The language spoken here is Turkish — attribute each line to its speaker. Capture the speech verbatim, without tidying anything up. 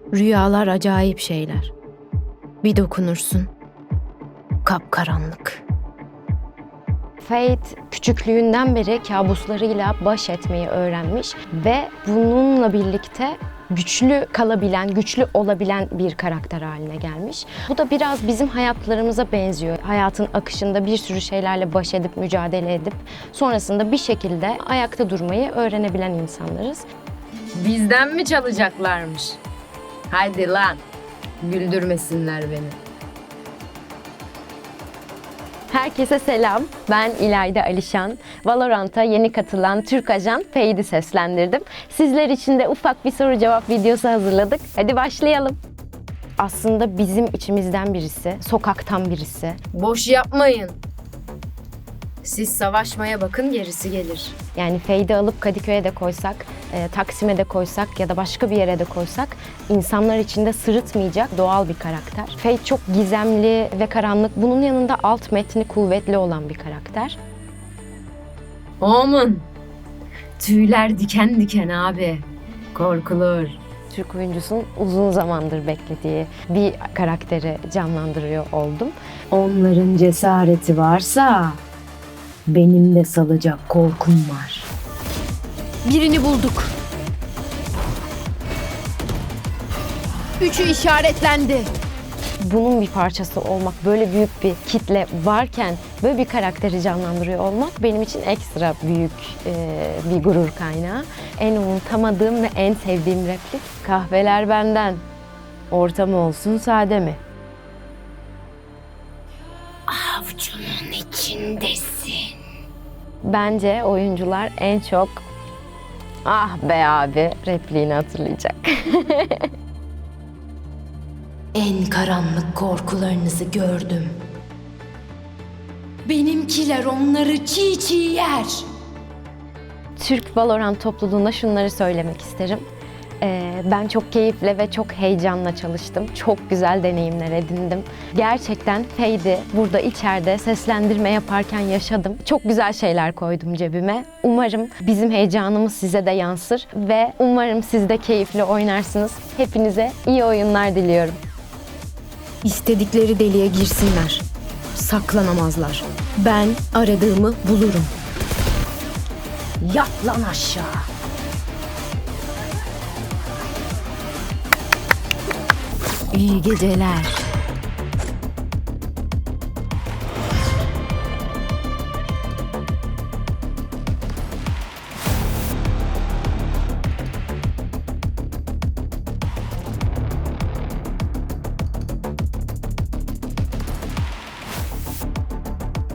Speaker 1: Rüyalar acayip şeyler. Bir dokunursun, kapkaranlık.
Speaker 2: Fate küçüklüğünden beri kabuslarıyla baş etmeyi öğrenmiş ve bununla birlikte güçlü kalabilen, güçlü olabilen bir karakter haline gelmiş. Bu da biraz bizim hayatlarımıza benziyor. Hayatın akışında bir sürü şeylerle baş edip, mücadele edip sonrasında bir şekilde ayakta durmayı öğrenebilen insanlarız.
Speaker 1: Bizden mi çalacaklarmış? Hadi lan, güldürmesinler beni.
Speaker 2: Herkese selam. Ben İlayda Alişan. Valorant'a yeni katılan Türk ajan Fade'i seslendirdim. Sizler için de ufak bir soru cevap videosu hazırladık. Hadi başlayalım. Aslında bizim içimizden birisi, sokaktan birisi.
Speaker 1: Boş yapmayın. Siz savaşmaya bakın, gerisi gelir.
Speaker 2: Yani Fade'i alıp Kadıköy'e de koysak, e, Taksim'e de koysak ya da başka bir yere de koysak insanlar içinde sırıtmayacak doğal bir karakter. Fade çok gizemli ve karanlık. Bunun yanında alt metni kuvvetli olan bir karakter.
Speaker 1: Omen. Tüyler diken diken abi. Korkulur.
Speaker 2: Türk oyuncusunun uzun zamandır beklediği bir karakteri canlandırıyor oldum.
Speaker 1: Onların cesareti varsa benim de salacak korkum var.
Speaker 3: Birini bulduk. Üçü işaretlendi.
Speaker 2: Bunun bir parçası olmak, böyle büyük bir kitle varken böyle bir karakteri canlandırıyor olmak benim için ekstra büyük e, bir gurur kaynağı. En unutamadığım ve en sevdiğim replik, kahveler benden, ortam olsun sade mi?
Speaker 1: Avcunun içindesin.
Speaker 2: Bence oyuncular en çok "ah be abi" repliğini hatırlayacak.
Speaker 1: En karanlık korkularınızı gördüm. Benimkiler onları çiğ çiğ yer.
Speaker 2: Türk Valorant topluluğuna şunları söylemek isterim. Ee, ben çok keyifle ve çok heyecanla çalıştım. Çok güzel deneyimler edindim. Gerçekten Fade'i burada içeride seslendirme yaparken yaşadım. Çok güzel şeyler koydum cebime. Umarım bizim heyecanımız size de yansır ve umarım siz de keyifli oynarsınız. Hepinize iyi oyunlar diliyorum.
Speaker 1: İstedikleri deliğe girsinler. Saklanamazlar. Ben aradığımı bulurum. Yat lan aşağı. İyi geceler.